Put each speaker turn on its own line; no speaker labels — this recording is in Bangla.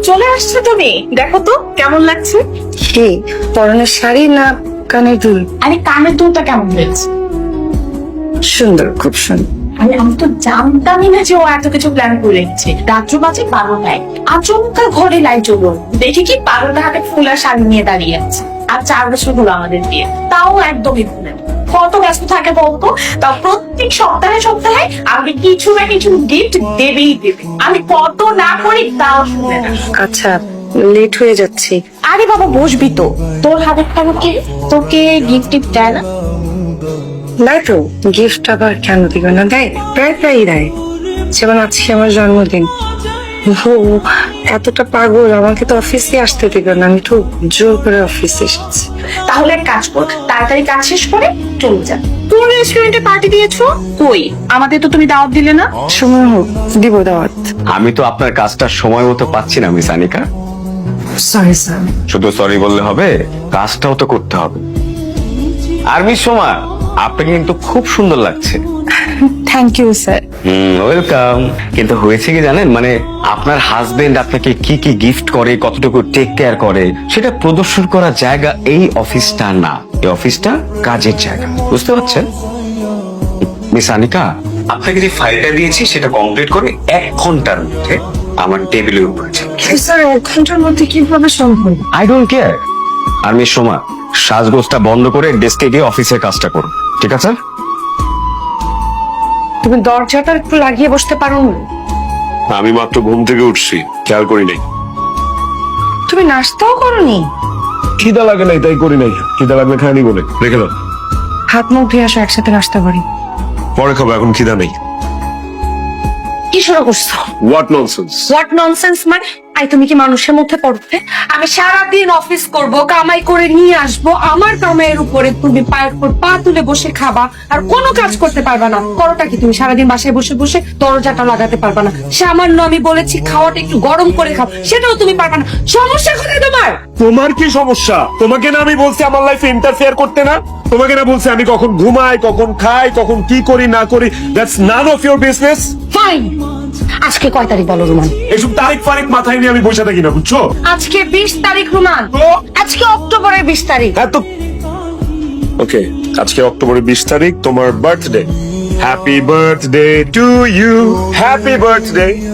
চলে আসছো তুমি, দেখো তো কেমন লাগছে।
কি পরনের শাড়ি না কানের দুল?
আরে কানের দুলটা কেমন হয়েছে?
সুন্দর, খুব সুন্দর।
আরে আমি তো জানতামই না যে ও এত কিছু প্ল্যান করে রেখেছে। রাত্র বাজে 12টায় আচমকা ঘরে লাইট জ্বললো, দেখি কি পাগলটা হাতে ফুল আর শাড়ি নিয়ে দাঁড়িয়ে আছে। আর 4 বছর হলো আমাদের বিয়ে, তাও একদমই ভুলে না। কত ব্যস্ত থাকে বলতো, তাও প্রত্যেক সপ্তাহে সপ্তাহে আমি কিছু না কিছু গিফট দেবেই দেবে। আমি কত না করি তাও শুনে না।
আচ্ছা, লেট হয়ে যাচ্ছে।
আরে বাবা বসবি তো, তোর হাতের টাকা কি তোকে গিফট টিফট দেয় না?
না তো, গিফট আবার কেন দিবে না? দেয়, প্রায় প্রায়ই দেয়। যেমন আজকে আমার জন্মদিন, ও এতটা পাগল, আমাকে তো অফিসে আসতে দিবে না। আমি তো জোর করে অফিসে এসেছি।
তাহলে এক কাজ কর, তাড়াতাড়ি কাজ শেষ করে চলে যা। তোর রেস্টুরেন্টে পার্টি দিয়েছো, কই আমাদের তো তুমি দাওয়াত দিলে না?
সময় হোক, দিব দাওয়াত।
আমি তো আপনার কাজটা সময় মতো পাচ্ছি না মিস আনিকা।
Sorry sir.
শুধু সরি বললে হবে, কাজটাও তো করতে হবে। আর মিস সোমা, আপনাকে কিন্তু খুব সুন্দর লাগছে।
Thank you sir.
ওয়েলকাম। কিন্তু হয়েছে কি জানেন, মানে আপনার হাজবেন্ড আপনাকে কি কি গিফট করে, কতটুকু টেক কেয়ার করে, সেটা প্রদর্শন করার জায়গা এই অফিসটা না। এই অফিসটা কাজের জায়গা, বুঝতে পারছেন? মিস আনিকা, আপনাকে যে ফাইলটা দিয়েছি সেটা কমপ্লিট করে 1 ঘন্টার মধ্যে আমার টেবিলের উপরে
স্যার 1 ঘন্টার মধ্যে কিভাবে সম্ভব?
I don't care. আর মিস সোমা, সাজগোজটা বন্ধ করে ডেস্কে গিয়ে অফিসের কাজটা করুন, ঠিক আছে?
তুমি দরজাটা একটু লাগিয়ে বসতে পারো না?
আমি মাত্র ঘুম থেকে উঠছি, খেয়াল করি নাই।
তুমি নাস্তাও করনি?
খিদা লাগে নাই তাই করি নাই, খিদা লাগলে খাইনি বলে রেখে দাও।
হাত মুখ ধুয়ে আসো, একসাথে নাস্তা করি।
পরে খাবো, এখন খিদা নেই।
কি শুরু করছো?
What nonsense.
হোয়াট ননসেন্স মানে? আই তুমি কি মানুষের মধ্যে পড়তে? আমি সারাদিন অফিস করব, কামাই করে নিয়ে আসবো, আমার কামাইয়ের উপরে তুমি পায়ের উপর পা তুলে বসে খাবা আর কোনো কাজ করতে পারবা না। করোটা কি তুমি? সারাদিন বাসায় বসে বসে দরজাটা লাগাতে পারবা না। সামান্য আমি বলেছি খাওয়াটা একটু গরম করে খাও, সেটাও তুমি পারবা না। সমস্যা কোথায় তোমার?
তোমার কি সমস্যা? তোমাকে না আমি বলছি আমার লাইফে ইন্টারফেয়ার করতে না? তোমাকে না বলছি আমি কখন ঘুমাই, কখন খাই, কখন কি করি না করি? That's none of your business.
Fine. আজকে কয় তারিখ বলো রুমান?
এসব তারিখ ফারিক মাথায় নিয়ে আমি বসে থাকি না, বুঝছো?
আজকে 20 তারিখ রুমান।
তো?
আজকে অক্টোবরের 20 তারিখ।
এত ওকে, আজকে অক্টোবরের 20 তারিখ, তোমার birthday. Happy birthday to you, happy birthday.